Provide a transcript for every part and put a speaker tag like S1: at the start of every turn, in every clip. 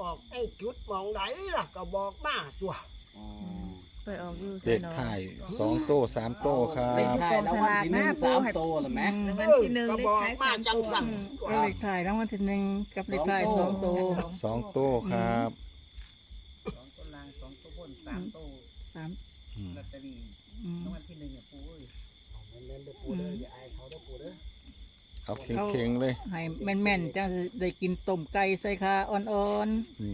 S1: อกไอ้จุดมองไหนล่ะก็บอกมาตัว
S2: ไปออกอยู่
S3: เด็กไข่2 โต้ 3 โต้ครั
S4: เลข
S3: บ
S4: ท้ายแล้ววันที่หนึ่ง3 โตหรือไหม
S2: รางวัลที่หนึ่ง
S1: ก็
S2: เล
S1: บ
S2: ข
S1: อก
S2: ท้าย
S1: มา
S2: 3
S1: จัง
S2: ตัว
S1: สั่ง
S5: เลขถ่ายรางวัลที่หนึ่งกับเลขถ่าย2 ตัว
S3: 2 โต้ครับ
S6: 2 ตัวล่าง 2 ตัวบน 3 ตัว
S5: 3
S3: อืม
S6: ลอตเตอรี่รางวัลที่1เนี่ยปู่เอ้ย
S1: เน้นๆเด้อปูเด้ออย่าอายเขาเด้อปูเด้อ
S3: เอาเข่งๆเลย
S5: ให้แม่นๆจะได้กินต้มไก่ใส่ขาอ่อน
S3: นี่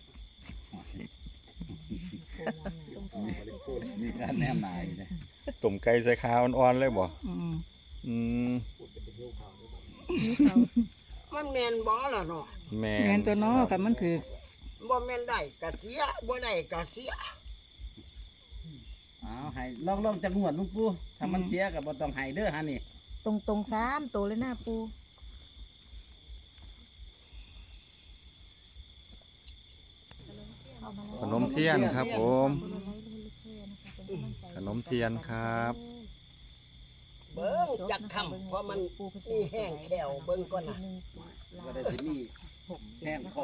S4: มีการแนมหมายเลย
S3: ต้มไก่ใส่ขาอ่อนๆเลยบ่
S5: ๆอืม
S3: อืม
S1: มันแม่นบ่ล่ะเนาะ
S3: แม่
S5: แม่น
S3: น
S5: ตัวเนาะค่ะมันถือ
S1: บ่แม่นได้ก็เสียบ่ได้ก็เสีย
S4: อ้าวให้ลองจักงวดลุงปู่ถ้ามันเสียก็บ่ต้องให้เด้อฮะนี่
S2: ตรง3ตัวเลยนะปู
S3: ขนมเทียนครับผม ขนมเทียนครับ
S1: เบิ่งจักคำเพราะมันมีแห้งแขวเบิ่งก่อนน่ะ
S4: ก็ได้ที่นี่แห้งของ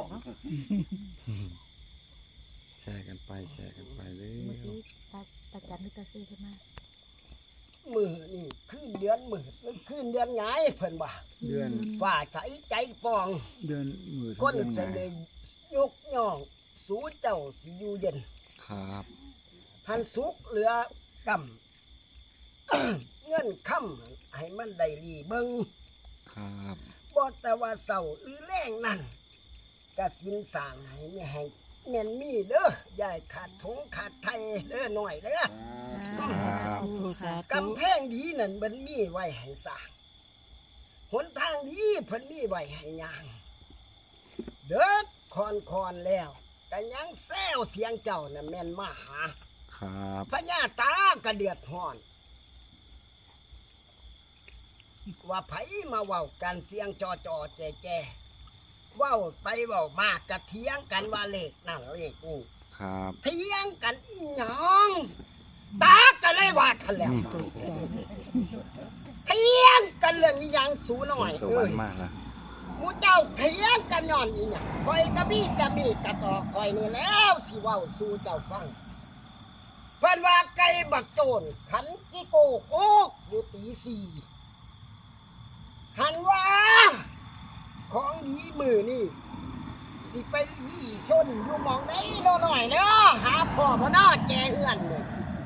S3: แชร์กันไปเลย
S2: ตาจันนึกตาซื้อขึ้นมา
S1: มือนี่คืนเดือนมือหรือคืนเดือนหงายเพิ่นว่า
S5: เดือน
S1: ฝ่าใจใจปอง
S5: เดือนมือ
S1: คน
S5: เดือนห
S1: จะ
S5: งาย
S1: ได้ยกย่องสู่เจ้าสิอยู่เย็น
S3: ครับ
S1: หันสุกเหลือกำ เงินค่ำให้มันได้รีเบิง
S3: ครับ
S1: บ่แต่ว่าเศร้าหรือแรงนั่นกะสินสร้างให้แม่ให้แม่นมีเด้อยายขาดทงขาดไทยเด้อหน่อยเด้อ
S3: ครับ
S1: กำแพงดีนั่นมันมีไว้ให้สร้างหนทางดีเพิ่นมีไว้ให้ย่าง เด้อคอนแล้วก็ยังแซวเสียงเจ้าน่ะแม่นมาหา
S3: ครับ
S1: พญาตาก็เดือดร้อน ว่าไผมาเว้ากันเสียงจอแจเว้าไปเว้ามากกะเถียงกันว่าเลขนั่นเลขนี่
S3: ครับ
S1: เถียงกันอีหยังตาก็เลยว่าทันแล้วเถียงกันเรื่องอีหยังสูหน่อย
S3: สวรรค์มากละ
S1: หมูเจ้าเถียงกันย้อนอีหยังคอยกะมีกะตอกคอยนี่แล้วสิเว้าสู่เจ้าฟังเพิ่นว่าไก่บักโจนขันกิโกโกกอยู่ตีสี่หันว่า ของดีมือนี่สิไปยี่ส้นอยู่หมองไหนโนหน่อยเนาะหาพ่อพ่อน้าแกเฮือนเนี่ย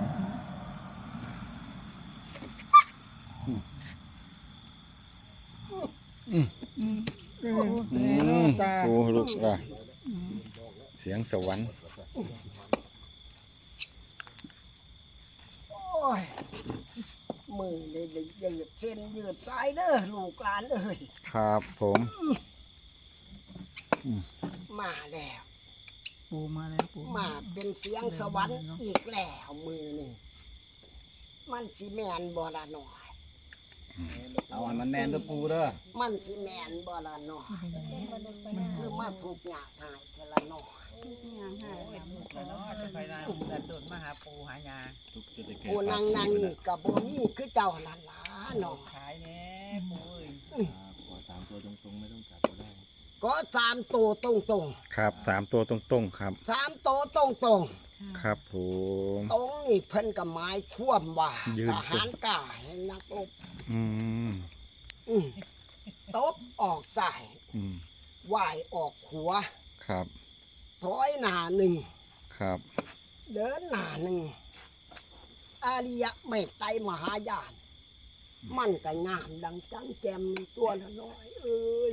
S3: ปูลูกอ่ะเสียงสวรรค์
S1: โอ้ยมือเลยยืดเส้นยืดสายเด้อลูกหลานเอ้ย
S3: ครับผม
S1: มาแล้ว
S5: ปูมาแล้วปู
S1: มาเป็นเสียงสวรรค์อีกแล้วมือนี่มันสิแมนบ่ละหน่อย
S4: เอาอันมันแม่นเด้อปู่เด้อ
S1: มันสิแมนบ่ละหน่อยคือมาถูกหยาหายแต่ละหน่อย
S6: แต่เนาะจะไปนางดันโดดมาหาปู่หายา
S1: ผู้นั่งนี่กับบ่มีคือเจ้านั่นล่ะหน่อย
S6: ขายแน่ปู่เอ้ย
S4: ขอ3 ตัวตรงๆไม่ต้องกลับก็ได้
S1: ก็สามตัวตรง
S3: ครับ3 ตัวตรงๆครับ
S1: ๆสามตัวตรง
S3: ครับผม
S1: ๆตรงนี่เพิ่นก็หมายความว่า
S3: ยืน
S1: ทหารกล้าให้นักรบ
S3: อืม
S1: ตบออกซ้าย
S3: อืม
S1: ว่ายออกขวา
S3: ครับ
S1: ถอยหน้าหนึ่ง
S3: ครับ
S1: เดินหน้าหนึ่งอาริยะเมตไตรมหายาน มันก็งามดังจังแจมตัวละน้อยเอ้ย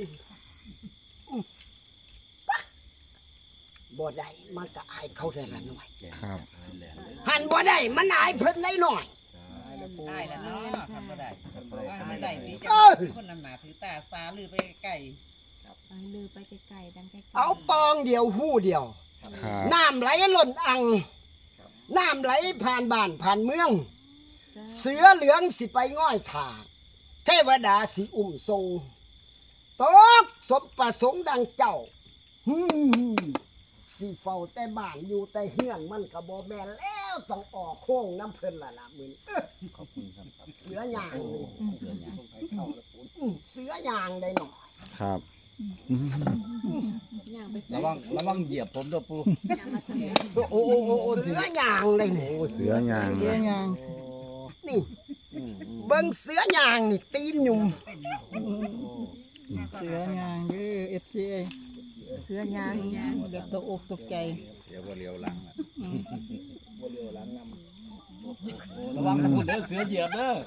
S1: บ่ได้มันก็อายเขาได้ละน้อย
S3: ครับ
S1: หันบ่ได้มันอายเพิ่นได้หน่อย
S6: ได้แล้วเนาะทำบ่ได้ว่ามันได้สิจะคนนำหนาถือตาซาลือไปไกล
S2: ไปลือไปไกลๆดังไกลๆ
S1: เอาปองเดียวหู้เดียว
S3: ครับ
S1: น้ำไหลหล่นอัง น้ำไหลผ่านบ้านผ่านเมือง เสือเหลืองสิไปง่อยถาเทวดาสิอุ้มทรงตกสมประสงค์ดังเจ้าสิเฝ้าแต่บ้านอยู่แต่เฮือนมันก็บ่แม่นแล้วต้องออกโค้งน้ำเพิ่นล่ะมื้อนี้
S4: ขอบคุณครับ
S1: เสือยางเลย
S4: เสือหยัง
S1: เสือยางได้หน่อย
S3: ครับ
S4: ระวังเหยียบผมตัวปู
S1: โอ้เสือย่างเลยนี่
S3: เสือยาง
S5: เสียงยัง
S1: นี่เบิ่งเสือย่างนี่ตีนหยุ่ม
S5: เสียงยังเด้อ FCA
S2: เสือยาง
S5: เดี๋ยวตกอกตกใจ
S4: ระวังนะพูดเด้อเสือเหยียบเด้อ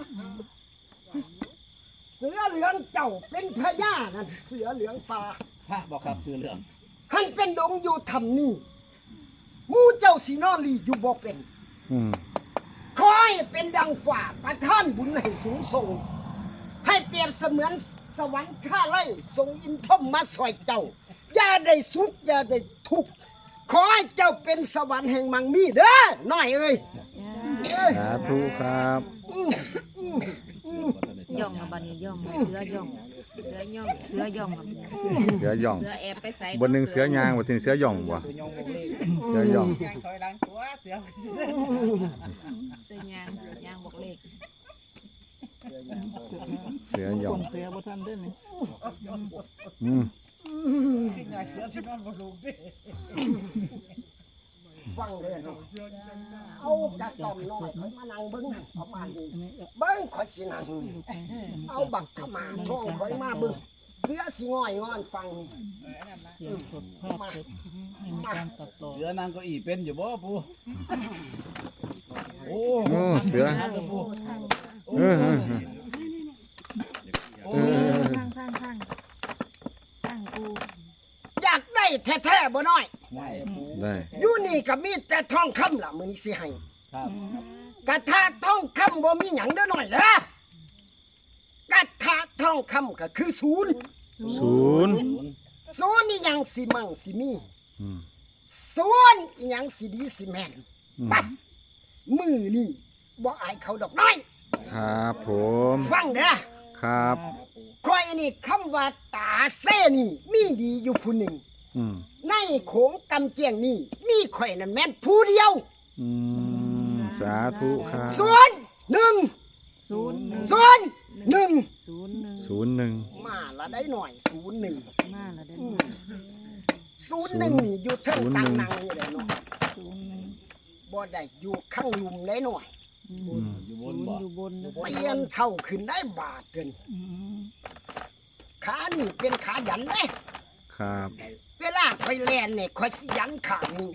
S1: เสือเหลืองเจ้าเป็นพญานั่นเสือเหลืองป่า
S4: พระบอกครับเสือเหลือง
S1: หันเป็นดงอยู่ทำนี่หมู่เจ้าสีนอนลีอยู่บ่เป็น
S3: อืม
S1: คอยเป็นดังฝ่าประท่านบุญให้สูงส่ง ให้เปรียบเสมือนสวรรค์ข้าไล่ส่งอินทมมาสอยเจ้า อย่าได้สุขอย่าได้ทุกข์ขอให้เจ้าเป็นสวรรค์แห่งมังมีเด้อน้อยเอ้ย
S3: สาธุครับ
S2: ย่องบัดนี้ย่องเสือย่องเสือย่องเสือย่อง
S3: เสือย่อง
S2: เสือแอบไปใส่
S3: บนหนึ่งเสือยางบนที่เสือย่องบ่เสือย่อง
S6: ยางถอยหลังตัวเสือ
S2: เสือยางบอกเลข
S3: เสือย่อง
S5: คนเสียบ่ทันเด้อนี่
S3: อืม
S6: หน่อยเสือสินอนบ่ลงดิ
S1: ฟังเลยเนาะเอากระต่อมน้อยมานั่งเบิ้งประมาณนี้เบิ้งข่อยสินั่งเอาบักขมาท่องข่อยมาเบิ้งเสือสิง่อยงอนฟัง
S5: เสียงสดภาพสดไม่มีการตัดต่อ
S4: เสือนางเก็อีเป็นอยู่บ่ปูโอ้
S3: โอ้เสือ
S4: ครับปู
S3: เออ
S2: ข้างกู
S1: อยากได้แท้ๆบ่น้อย
S4: ได้ปู
S3: ได้
S1: อยู่นี่ก็มีแต่ทองคำล่ะมื้อนี้สิให้
S4: ครับ
S1: กระทะทองคำบ่มีหยังเด้อน้อยเด้อกระทะทองคำก็คือศูนย์
S3: ศูนย์
S1: ศูนย์นี่หยังสิมั่งสิมี
S3: อืม
S1: ศูนย์อีหยังสิดีสิแม่น
S3: อืม
S1: ไปมือนี่บ่อายเขาดอกน้อย
S3: ครับผม
S1: ฟังเด้อ
S3: ครับ
S1: ข่อยนี่คำว่าตาเซ่นี่มีดีอยู่ผู้หนึ่ง
S3: อืม
S1: ในโขงกำเจียงนี่มีข่อยนั่นแม่นผู้เดียว
S3: อืมสาธุครับ
S1: ศูนย์หนึ่ง
S2: ศูนย์
S1: ศูนย์หนึ่ง
S3: 01
S1: มาละได้หน่อยศูนย์หนึ่ง
S2: มาแล้วได้
S1: ศูนย์หนึ่งนี่อยู่เทิงกลางนังนี่แหละเนาะ
S5: ศูนย์หนึ่ง
S1: บ่ได้อยู่ข้างลุมได้หน่อย
S3: อืม
S4: อยู่บนบ่
S2: อยู่บน
S1: เปลี่ยนเท่าขึ้นได้บาทเกิน
S5: อืม
S1: ขานี่เป็นขายันเด้
S3: ครับ
S1: เวลาข่อยแล่นเนี่ยข่อยสิยันขางนี่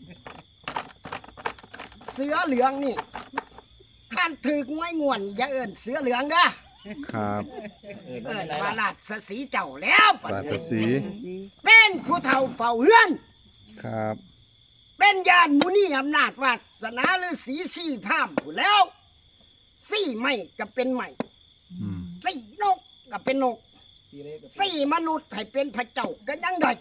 S1: เสือเหลืองนี่ท่านถึกไม่ง่วนอย่าเอิ้นเสือเหลืองเด้อ
S3: ครับ
S1: เอิ้นว่าราชสีห์เจ้าแล้วบัด
S3: ปาต
S1: นี้
S3: สี
S1: เป็นผู้เฒ่าเฝ้าเฮือน
S3: ครับ
S1: เป็นญาณมุนีอำนาจวาสนาฤาษีสี่พามผู้แล้วสี่ไม้ก็เป็นไม้
S3: อืม
S1: สี่นกก็เป็นนกสี่มนุษย์ให้เป็นพระเจ้าก็ยังได้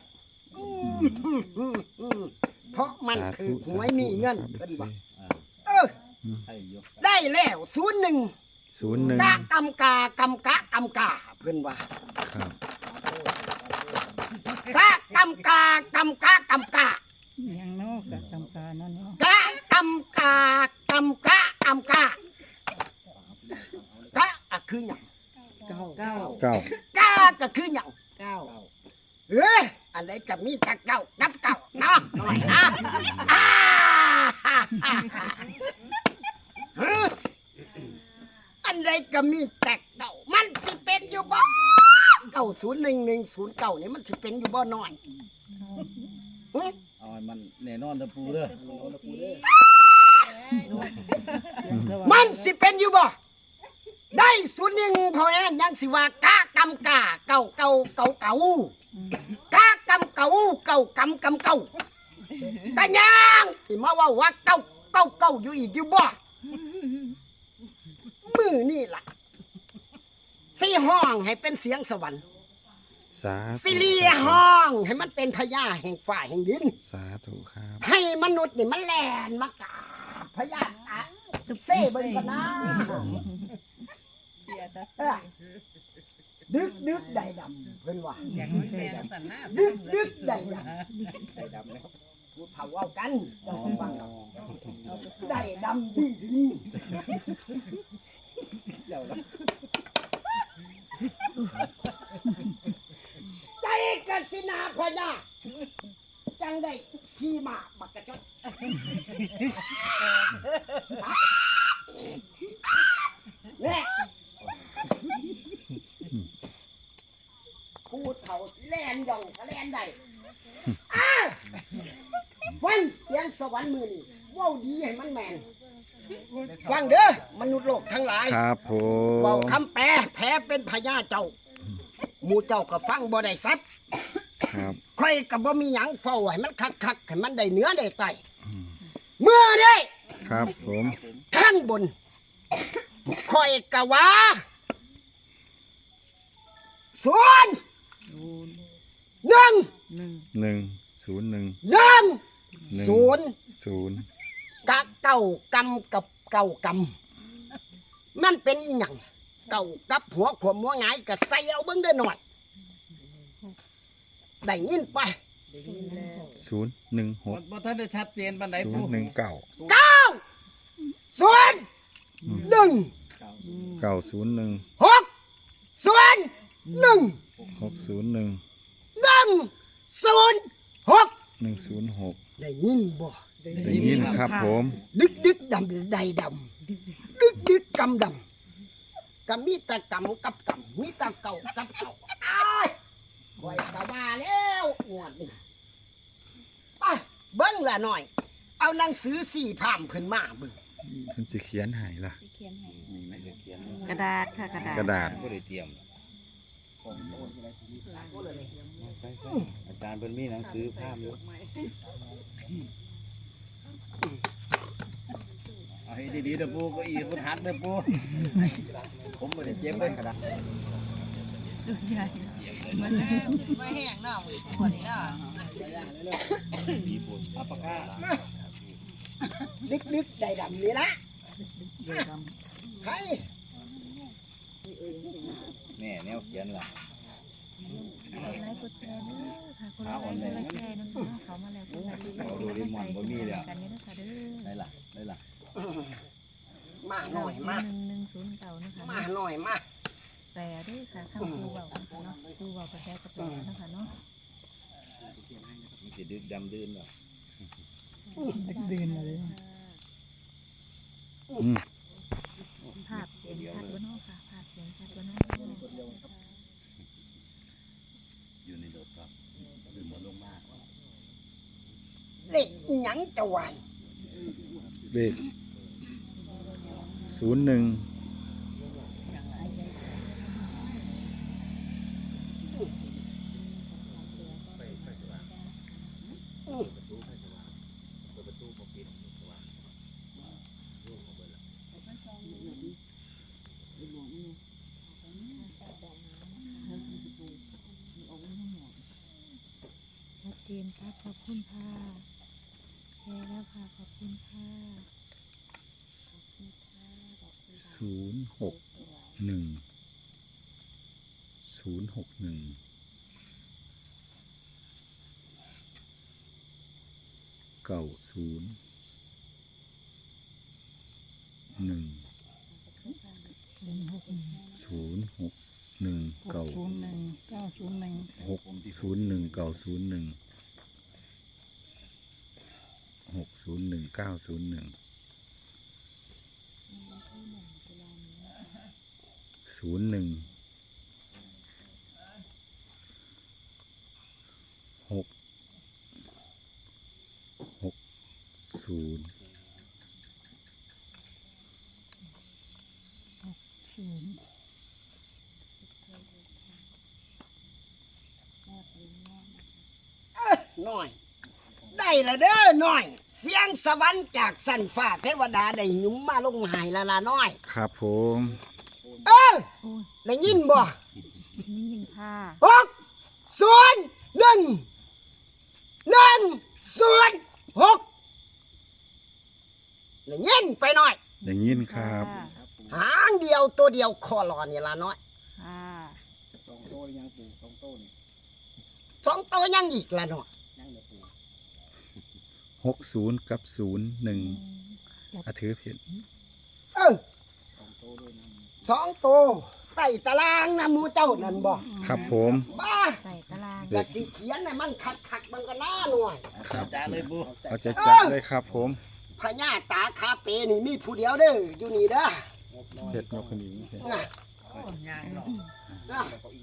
S1: เพราะมันคือหวยมีเงินเป็นบ่เออ
S4: ให้อยู่
S1: ได้แล้ว01
S3: 01
S1: กะกำกากำกะกำกาเพื่อนว่า
S3: ครับ
S1: กะกำกากำกะกำกา
S5: ยังเนาะกับกำการนั่นเนาะ
S1: กะกำกากำกะกำกากะอะคือหยัง
S2: เก้า
S3: เก้า
S1: กะก็คือหยัง
S2: เก้า
S1: เอ้ยอันใดก็มีแต่เก้ากับเก้าเนาะหน่อยนะอ่าฮ่าฮ่าฮ่าเฮ้ยอันใดก็มีแต่เก้ามันสิเป็นอยู่บ่90110นี่มันสิเป็นอยู่บ่น้อยหึ
S4: เอาให้มันแน่นอนตะปูเด้อ
S1: มันสิเป็นอยู่บ่ได้01พอแอนยังสิว่ากะกำกาเก่าเก่าเก่าเก่ากะกำเก่าเก่ากำกำเก่าตะยังสิมาว่าเก่าเก่าเก่าอยู่อีกอยู่บ่มือนี่ล่ะสิห้องให้เป็นเสียงสวรรค์
S3: สาธุ
S1: สิเลียห้องให้มันเป็นพญาแห่งฝ่าแห่งดิน
S3: สาธุครับ
S1: ให้มนุษย์นี่มันแล่นมากราบพญาอะตึกเซ่เบิ่งกันนะดึกดึกได้ดำเพิ่นว่า
S6: อย่างน้อยแม่สันหน้า
S1: ดึกดึกได้ดำพูดเผาเอากันเจะฟังดอกได้ดำดีดีพญาจังได้ขี่ม้าบักกระจดเนี่ยพูดเขาแลนย่องก็แลนได้ฟังเสียงสวรรค์มือนี่ว้าวดีให้มันแมนฟังเด้อมนุษย์โลกทั้งหลาย
S3: ครับผ
S1: เว้าม คำแปลแพ้เป็นพญาเจ้าหมู่เจ้าก็ฟังบ่ได้ซับ
S3: ครับ
S1: ค่อยก็บ่มีหยังเฝ้าให้มันคักๆให้มันได้เนื้อได้ไตเมื่อได้
S3: ครับผม
S1: ข้างบนค่อยกะว่าศูนย์หนึ่ง
S3: 101
S1: หนึ่ง
S3: 1
S1: ศูนย์
S3: 0
S1: กะเก้ากำกับเก้ากำมันเป็นอีหยังเก้ากับหัวขวมหัวหงายก็ใส่เอาเบิ่งได้หน่อยได้ยินไป
S3: 016
S4: บ่ทันได้ชัดเจนปานใดปู
S3: 019
S1: เก้าศูนย์หนึ่ง
S3: 901
S1: หกศูนย์หนึ่ง
S3: 601
S1: หนึ่งศูนย์หก
S3: 106
S1: ได้ยินบ่
S3: ได้ยินครับผม
S1: ดึกดึกดำใดดำดึกดึกกำดำกำมีแต่กำกับกำมีแต่เก่ากับเก่าอ้ายไว้กะว่าแล้วอวดนี่ไปเบิ้งละหน่อย เอาหนังสือสี่พามขึ้นมาเบิ้ง
S3: เพิ่นสิเขียนให้ล่ะ
S2: เขียนให้
S6: ไม่ได้เขียน
S2: กระดาษค่ะกระดาษ
S3: กระดาษ
S6: ก็ได้เตรียมอาจารย์เพิ่นมีหนังสือภาพอยู่
S4: เอาให้ดีๆเด้อปูเก็อีคนหักเด้อปูผมบ่ได้เจ็บเลยกระดาษ
S6: ไม่แห้งเนาะวันนี้เนาะ
S4: เอาปากกา
S1: ดึกดึกใดดำนี่นะให้
S6: แน่แนวเขียนล่ะ
S2: ไลค์กดแชร์เด้อค่ะคนละไลค์คนละแชร์น้องๆเขามาแล้วคนละที่กันนี่นะคะเด้อ
S6: ได้ล่ะได้ล่ะ
S1: มาหน่อยมา
S2: 1109นะคะ
S1: มาหน่อยมา
S2: แปลด้วยค่ะข้างครูเบานะคะเนาะครูเบาก็แปลก็แปลนะคะเนาะ
S6: มีสิดึกดำดื่นเนาะ
S2: ภาพเสียงชัดบ่เนาะค่ะภาพเสียงชัดบ่เนาะ
S6: อยู่ในรถครับดื่มหมดลงมาก
S1: เล็กอีหยังจะหวาน
S3: เลข01
S2: ชัดเจนครับขอบคุณค่ะแชร์แล้วค่ะขอบคุณค่ะ
S3: 061
S1: หน่อย ได้ละเด้อหน่อย เสียงสวรรค์จากสันฟ้าเทวดาได้หยุมมาลงหายละละน้อย
S3: ครับผม
S1: ได้ยินบ่
S2: นี่ยินค่ะ
S1: หกศูนย์หนึ่งหนึ่งศูนย์หกได้ยินไปหน่อย
S3: ได้ยินครับ
S1: หางเดียวตัวเดียวคอรอนี่ละน้อย
S2: ค่ะ
S1: สองตัวยังอีกละน้อย
S3: 60 กับ 01ถือผิด
S1: สองตัวใต้ตารางนะหมูเจ้านั่นบ่
S3: ครับผม
S1: บ้า
S2: ใส่ตาราง
S1: อย่าสิเขียนให้มันคักๆมันก็น่าหน่อย
S4: จ้าเลยปู
S3: เอาจะจัดเลยครับผม
S1: พญาตาคาเปนี่มีผู้เดียวเด้ออยู่นี่เด้อ
S3: เฮ็ดยกขึ้นอีก
S1: น่ะ
S6: ย่างหรอก
S1: น่ะ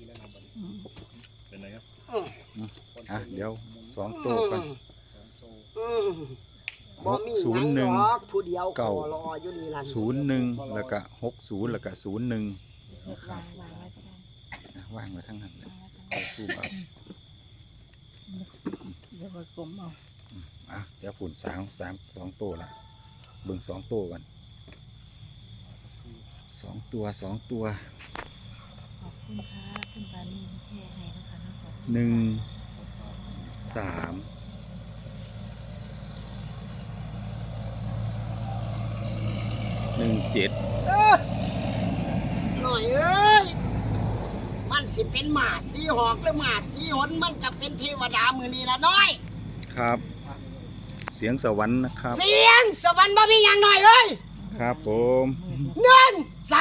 S3: อ่ะเดี๋ยว2ตัวกัน
S1: อืมบ่มีหยังดอกผู้เดียวขอรออยู่นี่ล่ะ
S3: 01แล้วก็60แล้วก็01นะครับวางไว้ทั้งนั้นเลยเอาสู้เอา
S5: เดี๋ยวผสมเอา
S3: อ่ะเดี๋ยวฝุ่น2ตัวละเบิ่ง2ตัวกัน2ตัว2ตัว
S2: ขอบคุณค่ะคุณปานีที่แชร์ให้นะคะเนาะขอบคุณ
S3: หนึ่งสาม 17
S1: เออหน่อยเอ้ยมันสิเป็นหมาสีหอกหรือหมาสีหนมันก็เป็นเทวดามือนี้ละน้อย
S3: ครับ เสียงสวรรค์นะครับ
S1: เสียงสวรรค์บ่มีอย่างหน่อยเอ้ย
S3: ครับผม
S1: 1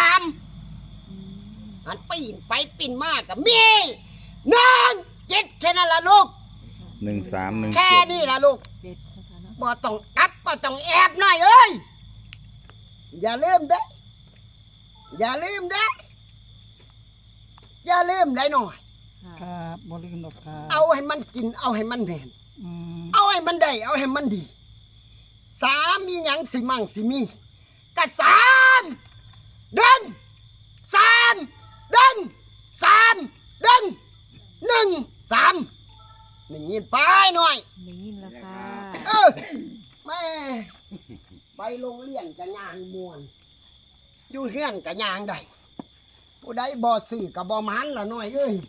S1: 3อันปีนไปปีนมากับมี1 7แค่นั้นละลูก
S3: 1317
S1: แค่นี้ละลูก
S2: เจ็ดนะคะเนาะ
S1: บ่ต้องอับบ่ต้องแอบหน่อยเอ้ยอย่าลืมเด้ออย่าลืมเด้ออย่าลืมได้หน่อย
S5: ครับบริกรดอกครับ
S1: เอาให้มันกินเอาให้มันแน่น
S5: อืม
S1: เอาให้มันได้เอาให้มันดีสามมีหยังสิมั่งสิมีก็สามเดินสามเดินสามเดิน1 3นี่ยินไปหน่อย
S2: ได้ยินแล้วค่ะ
S1: แม่ไปโรงเรียนกะยางมวน อยู่เฮือนกะยางได้ผู้ใดบ่ซื้อกับบ่มันละหน่อยเอ้ย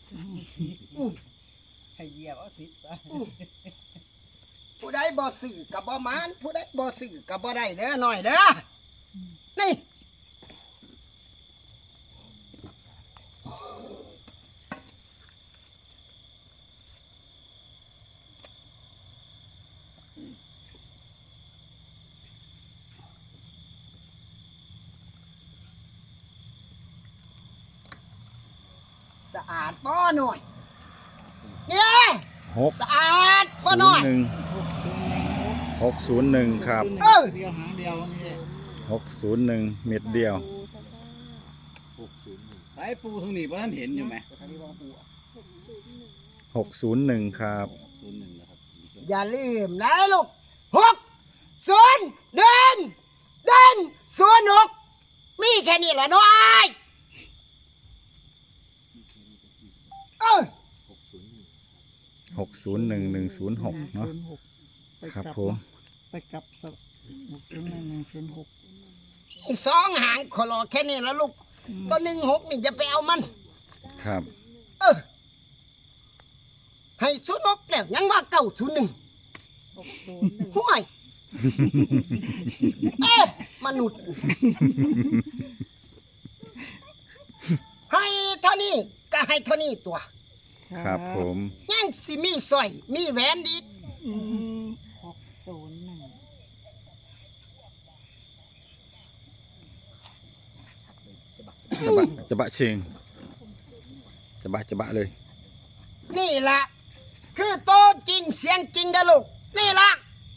S6: ให้เหยียบเอาสิซะ
S1: ผู้ใดบ่ซื้อกับบ่มันผู้ใดบ่ซื้อกับบ่ได้เด้อหน่อยเด้อนี่สะอาดบ่หน่อยเนี่ย
S3: 6
S1: สะอาดบ่หน่อย
S3: 601ครับ
S1: เออ
S5: เดียวหางเดียวนี่
S3: 601 เม็ดเดียว
S4: สายปูทางนี้เพราะท่านเห็นอยู่ไหม
S3: 601 ครับ
S4: 01นะครับ
S1: อย่าลืมนะลูก6 0 1 มีแค่นี้แหละน้อย
S3: 601106เนาะ
S5: ไป
S3: ครับ
S5: กลั
S3: ผม
S5: ไปกลับสัก601 106
S1: 2 หางขอรอแค่นี้แล้วลูกตัว16นี่จะไปเอามัน
S3: ครับ
S1: ให้06แล้วยังว่า901ห่วยมนุษย์ให้เท่านี้ก็ให้เท่านี้ตัว
S3: ครับผม
S1: ยังสิมีสร้อยมีแหวนอีก
S5: อืม
S3: จะบะเชงจะบะเลย
S1: นี่ล่ะคือโตจริงเสียงจริงนะลูกนี่ล่ะ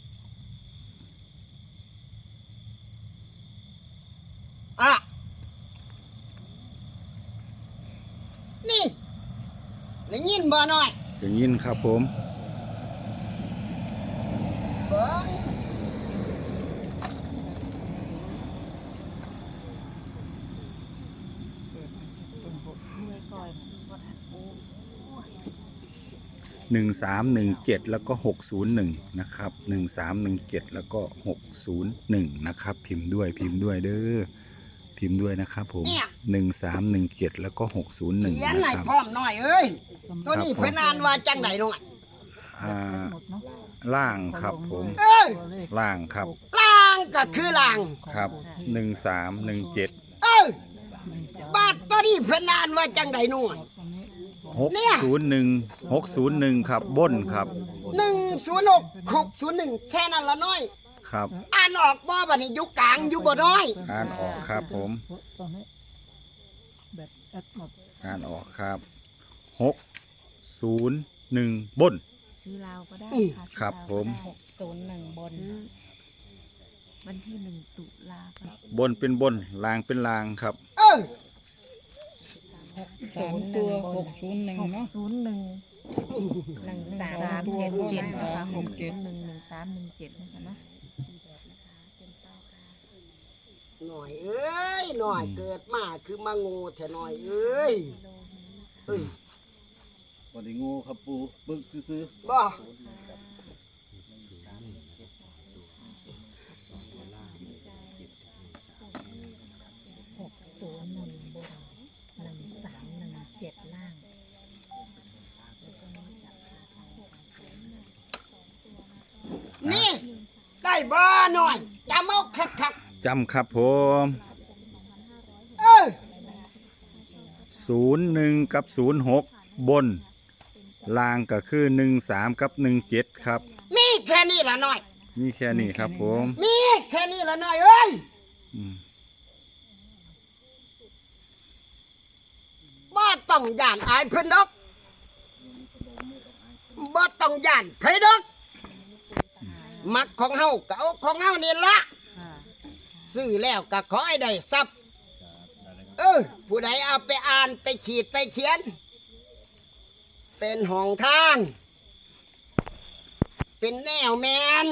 S1: นี่ได้ยินบ่หน่อย
S3: อย่างนี้ครับผม
S1: เบิ่ง
S2: เมื่อยก่อยบ่ทันปู
S3: 1317แล้วก็601นะครับ1317แล้วก็601นะครับพิมพ์ด้วยเด้อพิมพ์ด้วยนะครับผม1317แล้วก็601
S1: เขียน
S3: นะ
S1: ให้
S3: ครับ
S1: พร้อมหน่อยเอ้ยตัวนี้เพิ่นอ่านว่าจังไดน้อง
S3: อ่า
S5: หมดเนาะ
S3: ล่างครับผม
S5: ตัวเลข
S3: ล่างครับ
S1: ล่างก็คือล่าง
S3: ครับ1317
S1: บาทตัวนี้เพิ่นอ่านว่าจังไดน้อง
S3: 601ครับบนครับ
S1: 106 601แค่นั้นละน้อย
S3: ครับ
S1: อ่านออกบ่บัดนี้อยู่กลางอยู่บ่น้อย
S3: อ่านออกครับผม
S5: ตอนนี้แบตแอดหมด
S3: อ่านออกครับ601 601 บน
S2: ซื้อลาวก็ได้ค่ะ
S3: ครับผม
S6: 601บน
S2: ซื้อวันที่1 ตุลาคม
S3: บนเป็นบนลางเป็นลางครับ
S5: 3 ตัว 601 เนาะ
S2: 1311377นะคะ6011317นะคะเนาะ
S1: หน่อยเอ้ยหน่อยเกิดมาคือมาโง่แท้หน่อยเอ้ยเอ้ย
S4: บ่ได้งูครับปูบึกซื้อ
S1: บ่
S2: 1317ล่าง
S1: นี่ได้บ่หน่อยจำเอาคัก
S3: จำครับผม
S1: ๆเอ้ย
S3: 01 กับ 06 บนลางก็คือ 13 กับ 17 ครับ
S1: มีแค่นี้ละหน่อย
S3: มีแค่นี้ครับผม
S1: มีแค่นี้ละหน่อยเอ้ย
S3: อืม
S1: บ่ต้องย่านอายเพิ่นดอกบ่ต้องย่านไผดอกมักของเฮาก็เอาของเฮานี่ละ
S2: ค่ะ
S1: ซื้อแล้วก็ขอให้ได้ทรัพย์ผู้ใดเอาไปอ่านไปขีดไปเขียน เป็นหองทาง เป็นแนวแมน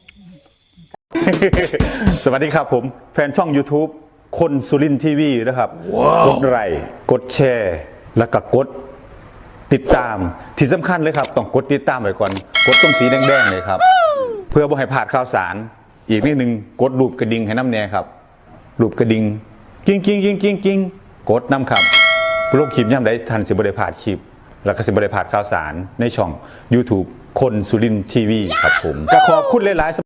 S3: สวัสดีครับผมแฟนช่อง YouTube คนสุรินทีวีนะครับ กดไลค์กดแชร์ แล้วก็กดติดตามที่สำคัญเลยครับ ต้องกดติดตามไว้ก่อน กดตรงสีแดงๆเลยครับ เพื่อบ่ให้พลาดข่าวสาร อีกนิดนึงกดรูปกระดิ่งให้น้ำแน่ครับรูปกระดิ่งกิ้งกดน้ำครับโลกคลิปย่ำได้ทันสิบได้พลาดคลิป แล้วก็สิบได้พลาดข่าวสารในช่อง YouTube คนสุรินทีวีครับผมก็ขอบคุณหลายๆ